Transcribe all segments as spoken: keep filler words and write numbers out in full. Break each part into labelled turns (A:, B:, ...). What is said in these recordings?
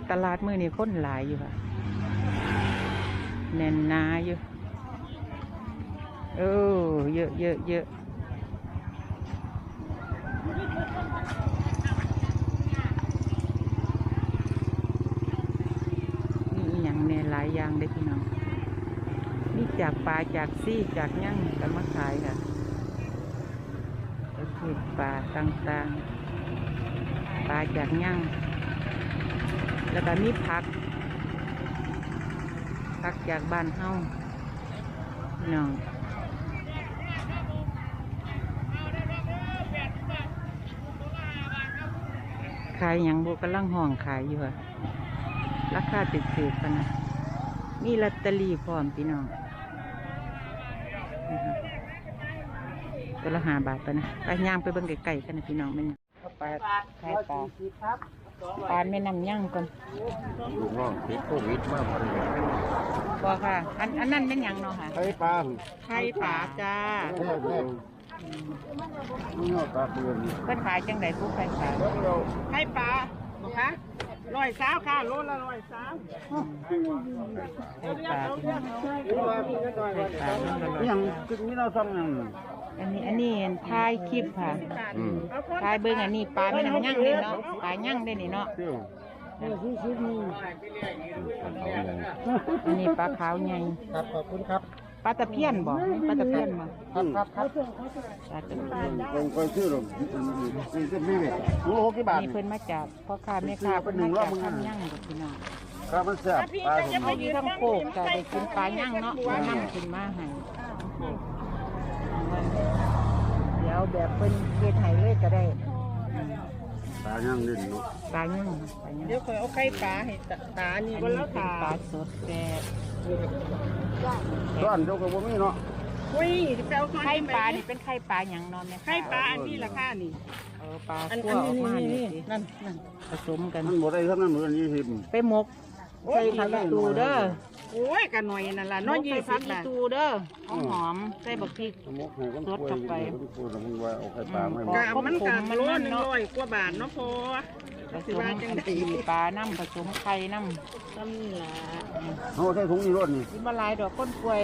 A: ตลาดมื้อนี้คนหลายอยู่ค่ะแน่นหนาอยู่เออเยอะเยอะเยอะมีอย่างเนี่ยหลายอย่างเลยพี่น้องนี่จากปลาจากซี่จากยั่งกันมาขายค่ะประเภทปลาต่างๆปลาจากยั่งแล้วก็มีผักผักจากบ้านเฮาพี่น้องขายอย่างโบกำลังห้องขายอยู่ค่ะราคาติดถือกันนะมีลอตเตอรี่พร้อมพี่น้องตัวละห้าบาทไปนะไปย่างไปเบิ่งไก่ๆกันนะพี่น้องมันปลาขายปลาปลาไม่นำย่างก่อน
B: ลูกน้องติดโควิดมากเลย
A: บ่ค่ะอันอันนั้นเป็นยังเนาะค่ะ
B: ไข่ปลา
A: ไข่ปลาจ้า
B: ปลาเบือน
A: เพิ่นขายจังไดผู้ไข่ปลา
C: ไข่ปลาบ่คะร้อยสาวค่ะโลละร้อยสาว
A: ไข่ปลา
B: ยังจุดนี้เราต้องยัง
A: อันนี้อันนี้ถ่ายคลิปค่ะถ่ายเบิ่งอันนี้ปลาไม่นำย่างเลยเนาะปลาย่างได้นี่เนาะอันนี้ปลาขาวใหญ่
B: ครับขอบคุณครับ
A: ปลาตะเพียนบ่ปลาตะเพียนบ่
B: ครับครับครับ
A: ปลาตะเพียน
B: ลงไปชื่อหรอกนี่จะมีเลยรู้หกกี่บาท
A: นี่เพิ่นมาจากพ่อค้าแม่ค้าเพิ่นมาจากทำย่างกับพี่น้อง
B: ครับมันแซ่บปลาผม
A: เอาอยู่ทั้งโคกจะได้กินปลาย่างเนาะมานั่งกินมาให้เดี๋ยวแบบเพิ่นเฮ็ดให้เลยก็ได้
B: ปลาย่างนิดเนาะ
A: ปลาย่างปลาย่าง
C: เดี๋ยวเคยเอาไข่ปลาให้ตานี่ก็แล้วค่ะ
A: ปลาสดแต่
B: ต้นเจ้าก็บ่มีเนาะ
C: อุ้ยแซว
A: ไข่ปลานี่เป็นไข่ปลาหยังนอนแม่
C: ไข่ปลาอันนี้ราคานี่
A: เออปลาคั่วออกมานี่นั่นนั่นผสมกัน
B: มันบ่ได้ทั้งนั้นเหมือนยี่สิบ
A: ไปหมกใส่ผักอีตูเด้อ
C: โอ้ยกันหน่อยนั่นล่ะน้อยยี่สิบ
A: ผักอีตูเด้อหอมหอมใส่บักพริกสดเข้าไป
C: กะมันกะมันร้อยหนึ่งร้อยกว่าบาทเนาะพอ
A: ผสมกันตีปลาน้ำผสมไข่น้ำ
C: ซ้ำนี่ล่ะ
B: โอ้ใส่ถุงนี่รถนี่
A: กินมาลายดอกก้นกล้วย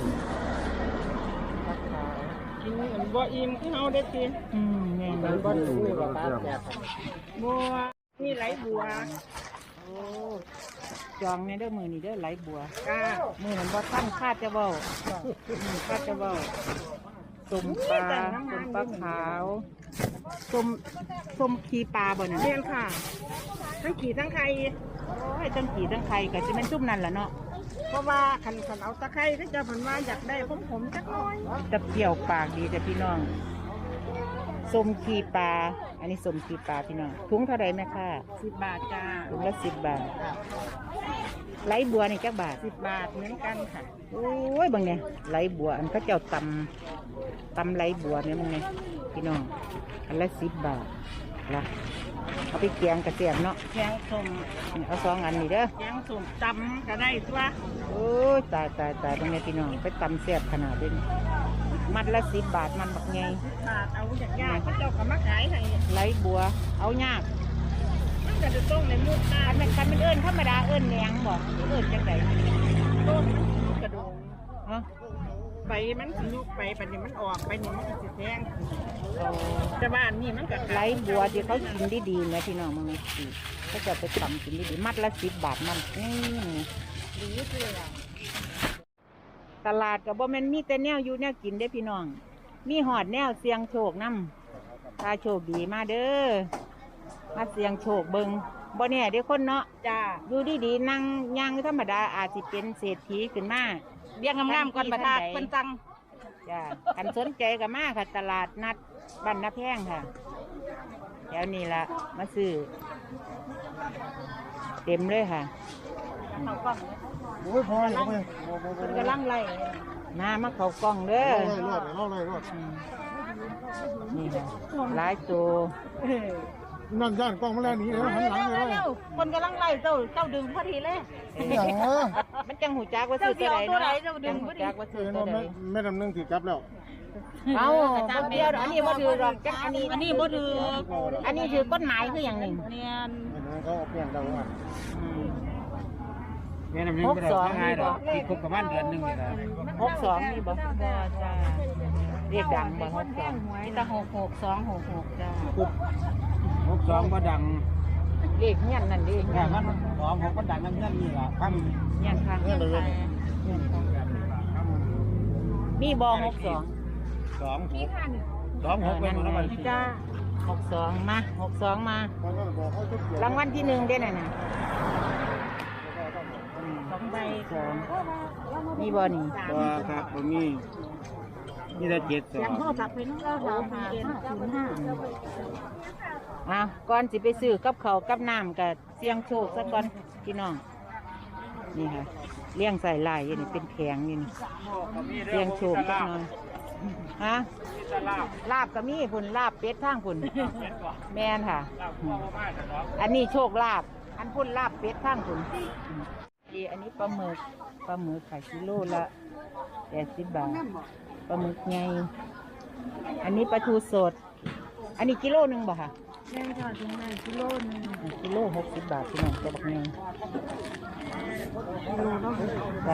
C: กินเหมือนบ่อิ่มคือเฮาได้กิน
A: อืมแม่นบ่
B: สู้หรอกครับ
C: บัวนี่ไหลบัว
A: โอ้จองในเด้อมือนี่เด้อไหลบัว
C: จ้า
A: มือมันบ่ทันคาดจะเว้าคาดจะเว้าต้มปลาต้มปลาขาวต้มต้มขี้ปลาบ่เนี่ย
C: เรียนค่ะทั้งขี่ทั้งไข่
A: โอ้ยทั้งขี่ทั้งไข่ก็จะเป็นจุ่มนั่นแหละเนาะ
C: เพราะว่าขันขันเอาตะไคร้ถ้าจะผันว่าอยากได้ผมผมจักน้อย
A: ตะเกี่ยวปากดีแต่พี่น้องส้มขี้ปลาอันนี้ส้มขี้ปลาพี่น้องถุงเท่าไรแม่ค่ะ
C: สิบบาทจ้า
A: ถุงละสิบบาทไหลบัวนี่จักบาท
C: สิบบาทเหมือนกันค่ะ
A: โอ้ยบางเนี่ยไหลบัวอันเขาเจ้าตำตำไหลบัวเนี่ยมันไงพี่น้องอันละสิบบาทละเอาไปเกียงกระเทียมเนาะ
C: แกงส้ม
A: เอาสองอันนี่เด้อ
C: แกงส้มตำก็ได้ตัว
A: โอ้ยตายตายตายบางเนี่ยพี่น้องไปตำแซ่บขนาดนี้มัดละสิบบาทมันบักไง
C: บาทเอาจากยากเขาเจ้าก็มาขายให้
A: ไหลบัวเอายาก
C: มันก็จะต้องในมุก
A: คันเป็นคันเป็นเอิญธรรมดาเอิญแหนงบอกเอิญจังได
C: ต้นมันกระโดง
A: ฮะ
C: ใบมันยุบไปปัจจุบันมันออกไปนี่มันจะแทงแต่บ้านนี่มันก็
A: ไหลบัวที่เขากินดีๆนะพี่น้องมึงสิเขาจะไปทำกินดีๆมัดละสิบบาทมันนี่
C: ดีเลย
A: ตลาดกับบ่แม่นมีแต่แนวอยู่แนวกินได้พี่น้องมีหอดแนวเสียงโชคน้ำถ้าโชคดีมาเด้อมาเสียงโชคเบิงบ่เนี่ยเดี๋ยวคนเนาะ
C: จ้า
A: อยู่ดีๆนั่งย่างธรรมดาอาจจะเป็นเศรษฐีขึ้นมา
C: เบี้ยงงามๆก่อนประทาเป็นจัง
A: จ้าคันสนใจกับมาค่ะตลาดนัดบ้านนาแพงค่ะเดี๋ยวนี้ละมาซื้อเต็มเลยค่ะ
C: เขากล้อง
B: โอ้ยพอแล้วเว้ย
C: มันกำลังไล่
A: มามาเขากล้องเด้อ
B: รอดรอดเลยรอด
A: นี่ค่ะหลายตัว
B: นั่นย่านกล้องมาแล้วหนีเลยหันหลังเลย
C: คนกำลังไล่เจ้าเจ้าดึงพอดีเลย
B: อย่าง
A: มันจังหูจักว่าซื้อตัวไหน
C: เนาะ
A: จังหูจักว่าซื้อตัวไหน
B: ไม่ดำเนินถือจับแล้ว
A: เอาคนเดียวอันนี้บ่ถือหรอกจังอันนี้
C: อันนี้บ่ถือ
A: อันนี้ถือกฎหมายคืออย่างหนึ่ง
C: เนี่ย
B: เขาเอาเปลี่ยนเราอ่ะ
D: แม่น้ำนึงก็ได้ง่ายดอกที่คบกับบ้านเดือนหนึงนี่ล่ะ
A: หกสองนี่บ่บ่จ้าเรียกดังบ่หกสอง
C: มีแต่หกหกสองหกหกจ้า
D: หกสองบ่ดัง
A: เรียกเงี้ยนนั่นเรียก
D: แค่มันสองหกบ่ดังนั่นนั่นนี่ล่ะคำ
A: เงี้ยนข้างเลย มีบอหกสอง
D: สองหกสองหกเป็นของมัน
A: จ้าหกสองมาหกสองมา
B: เขาก็บอกเขาจะเปลี่ยน
A: รางวัลที่หนึ่งได้น่ะนะ
C: สองใบ
A: สองมีบอนี่
D: ตัวครับบ่มีนี่ได้เจ็ดสอ
C: ยัง
D: ง
C: พ่อฝากเป็นเราสามห้าศูนย์ห้า
A: อ่ะก่อนสิไปซื้อกับเขาวกับน้ำกับเสียงโชคสักก่อนพี่น้องนี่ค่ะเลี้ยงใส่ลายอยู่นี่เป็นแผงอยู่นี่เสียงโชคสักหน่อยฮะลาบก็มีพุ่นลาบเป็ดทางพุ่นแม่นค่ะ อันนี้โชคลาบอันพุ่นลาบเป็ดทางพุ่นดีอันนี้ปลาหมึกปลาหมึกขายกิโลละแปดสิบบาทปลาหมึกไงอันนี้ปลาทูสด อันนี้กิโลหนึ่งบ่ค่ะ
C: แม่ค่ะถึงไหนกิโลนึง
A: กิโลหกสิบบาทพี่น้องตัวบักไง
C: กิโลเนาะ
A: จ้ะ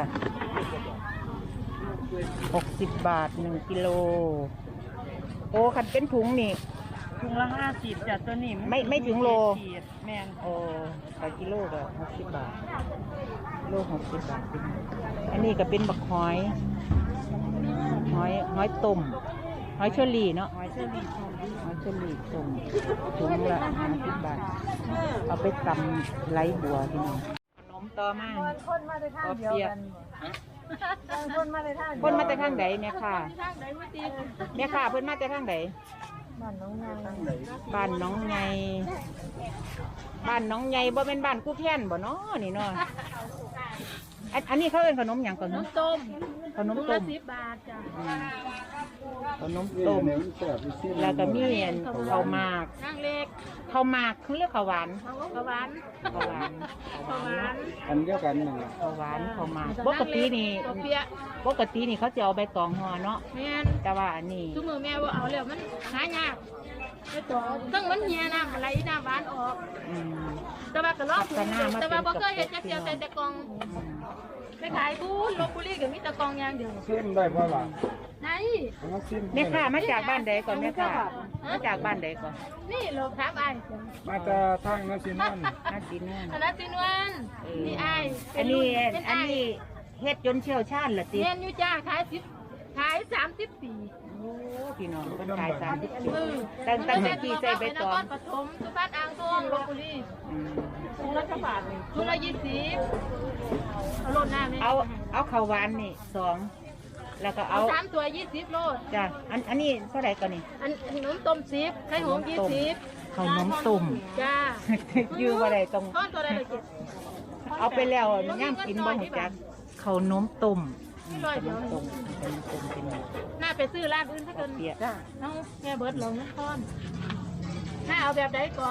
A: หกสิบบาทหนึ่งกิโลโอ้คันเป็นถุงนี่
C: ถุงละห้าสิบจ้ะตัวนี้
A: ไม่ไม่ถึงโล
C: แม่น
A: โอ้ขายกิโลก็หกสิบบาทโลหกสิบบาทพี่น้องอันนี้ก็เป็นบักหอยหอยหอยต้มหอยเชอรี่เนาะ
C: หอยเชอรี่ชม
A: หอยเชอรี่ต้มถุงละห้าสิบบาทเอาไปตำไหลบัวพี่น้องขนมต่อมา
C: คนมาในทางเดียวกันคนมาในทาง
A: เพิ่นมาแต่ข้างใดแม่ค่ะ
C: ทางไหนไม่ตี
A: แม่ค่ะเพิ่นมาแต่ข้างใด
C: บ้านน้องนาง
A: บ้านน้องไงบ้านน้องไงบ่เป็นบ้านกู้แค้นบ่เนาะนี่เนาะอันอันนี้เขาเป็นขนมหยังก่อน
C: น้
A: เนาะ
C: ำต้ม
A: ขนม
C: ถุง
A: ต้
C: ละ
A: ม
C: สิบบาทจ้ะ
A: อืมขนมต้ม
B: เนี่ยมันแสบไปสิ้น
A: แล้วก็มีอันข้าวหมาก
C: นางเล็ก
A: ข้าวหมากเขาเรียกข้าวหวาน
C: ข้าวหวาน
A: ข้าวหวาน
C: ข้าวหวาน
B: อันเดียวกันนั่นแหละ
A: ข้าวหวานข้าวหมากปกตินี่
C: ตัวเปีย
A: ปกตินี่เขาจะเอาใบตองห่อเนาะ
C: แม่น
A: แต่ว่าอันนี้
C: ทุกมือแม่ว่าเอาแล้วมันหายากไม่ต่อตั้งมันเฮียน้ำอะไรน้ำหวานออก
A: อืม
C: แต่ว่าก็ลองถูก
A: พัฒนามา
C: แต่ว่าบ่
A: เป็น
C: เคยเห็นจักเดียว
A: กับ
C: แต่แต่กล่องไปขายบูนลบบุรีก็มีแต่กล่องอย่างเดียว
B: สิ้นได้เพราะหลัง
C: ไหน
B: มันสิ้น
A: แม่ค่ะมาจากบ้านใดก่อนแม่ค่ะมาจากบ้านใดก่อน
C: นี่โลครับไอ้
B: มาจะทางนั้นสินั่น
A: น่ากินแน่
C: อันนั้นสินวันนี่ไอ้
A: อันนี้อันนี้เฮ็ดจนเชี่ยวชาญละติ
C: เรียนอยู่จ้าขายสิบขายสามสิบปี
A: โอ้พี่น้องเพิ่นขายสามสิบปี
C: มือ
A: ตั้งตั้งแต่ปีใส่ใบตอง
C: นครปฐมสุพรรณอ่างทองลบบุรี
A: อืม
C: ถุงละบาทถุงละยี่สิบเอาโลดหน้าไหม
A: เอาเอาข้าวหวานนี่สองแล้วก็
C: เอา
A: เอา
C: สามตัวยี่สิบโลด
A: จ้ะอันอันนี้เท่าไหร่ก่อนนี่
C: อันขนมต้มสิบไข่หงยี่สิบ
A: ข้าวนมต้ม
C: จ้า
A: ยื้อบ่ได้ต้อง
C: ก้อนตัวใดเลยเจ็ด
A: เอาไปแล้วย่างกินบ่ฮู้จักข้าวนมต้ม
C: นี่ร้อยเดียว
A: ต้มข้าวนมต้มเป็นไง
C: น่าไปซื้อร้านอื่นถ้าเกิน
A: เปียก
C: น้องแม่เบิร์ดลงนครถ้าเอาแบบใดก็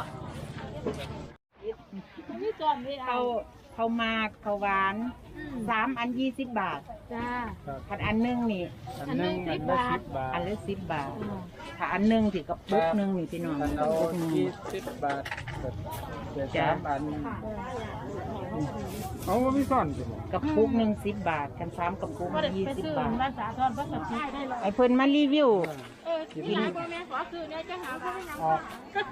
C: นี่ก่อนนี่
A: ข้า
C: เอา
A: วข้าวหมากข้าวหวานสามอันยี่สิบบาท
C: จ้า
A: อันอันหนึงนี่
B: อันหนึงอันละสิบบาท
A: อันละสิบบาท ถ้าอันหนึงสิกระปุกหนึงนี่พี่น้อง
B: อัน
A: ก
B: เอา
A: ระปุกหนึง
B: ยี่สิบบาทเดี๋ยวสามอันเอาว่ามีซ่อนสิ
A: กระปุกหนึ่งสิบบาทกันสามกระปุก
C: ก็ได้
A: ยี่
C: ไป
A: สิบ
C: ซื้อบ
A: าท
C: ร้านสาทรพระสัตว์ได้เลย
A: ไอ้เพิ่นมารีวิว
C: เออที่ร้านพ่อแม่ขอซื้อเนี่ยจะหาพ่อแม่ยัง
B: ออก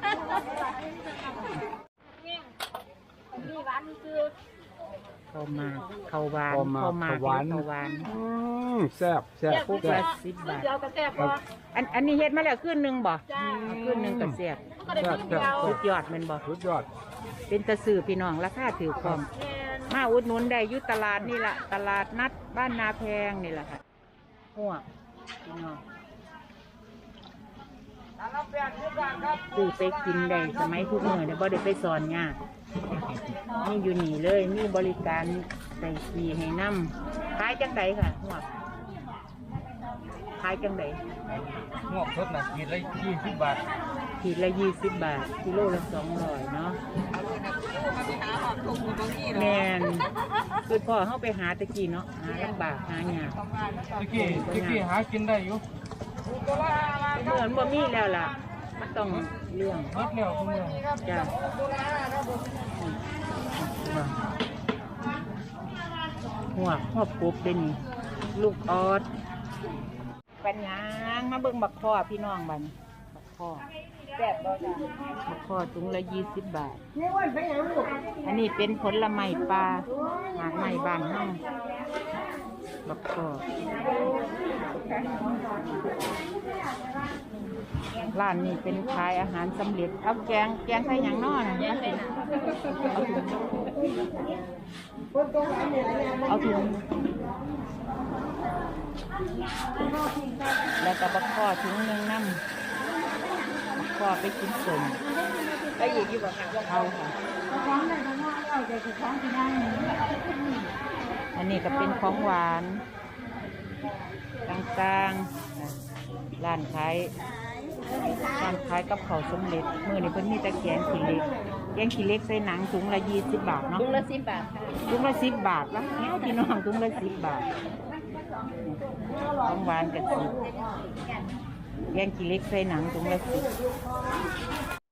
C: นี่ร้านนี่คือ
A: เข้ามาเข้าวหวาน
B: เข้ามา
A: เข้ามา
B: เข้าหวาน
A: เข้าหวาน
B: อืมแซ่บแซ่บ
A: ปุก
B: แซ่
A: ละ
B: บ
A: สิบบาท
C: เดียวกับแซ่บพอ
A: อันอันนี้เฮ็ดมาแล้วคืนหนึงบ่
C: จ้า
A: คืนหนึงก็เสียบ
C: ก็ได้กินเดียว
A: สุดยอดแม่นบ่
B: สุดยอด
A: เป็นตะสื่อพี่น้องราคาถือความ
C: แม่น
A: มาอุดหนุนได้อยู่ตลาดนี่ล่ะตลาดนัดบ้านนาแพงนี่แหละค่ะหัวพี่น้องซื้อไปกินได้สมัยทุกมื้อเนี่ยบ่ได้ไปสอนยากนี่อยู่นี่เลยมีบริการใส่ขี้ให้นำขายจังไดค่ะหัวขายจังได
D: งอกสดน่ะกินละยี่สิบบาท
A: ขีดละยี่สิบบาทกิโลละสองร้อยเนาะแมนคือพ่อเข้าไปหาตะกี้เนาะหาลำบากหายาก
D: ตะกี้ตะกี้หากินได้อยู่
A: เหมือนบ่มีแล้วล่ะมันต้องเลี้ยง
B: มัดแล้วคุณแม่
A: จ้ะหัวหัวกบเด้นี่ลูกออดปัญญางมาเบิ่งบักข้อพี่น้องบัดนบักข้อแซ่บบ่จ้ะบักข้อถุงละยี่สิบบาทอันนี้เป็นผลไม้ปลาหากไม้บ้านเฮาบักข้อร้านนี้เป็นขายอาหารสำเร็จเอาแกงแกงใส่หยังน้อนะเอาถุงแล้วก็บักข้อถุงหนึ่งน้ำบักข้อไปกินสมไปอีกอยู่บ่ค่ะเอาค่ะอันนี้ก็เป็นของหวานต่างๆร้านขายร้านขายกับข้าวสำเร็จมื้อนี้เพิ่นมีแต่แกงขี้เหล็กแกงขี้เหล็กใส่หนังถุงละยี่สิบบาทเนาะถุงละสิบบาทถุงละสิบบาทแล้วพี่น้องถุงละสิบบาทของหวานกับสิบแกงขี้เหล็กใส่หนังถุงละสิบ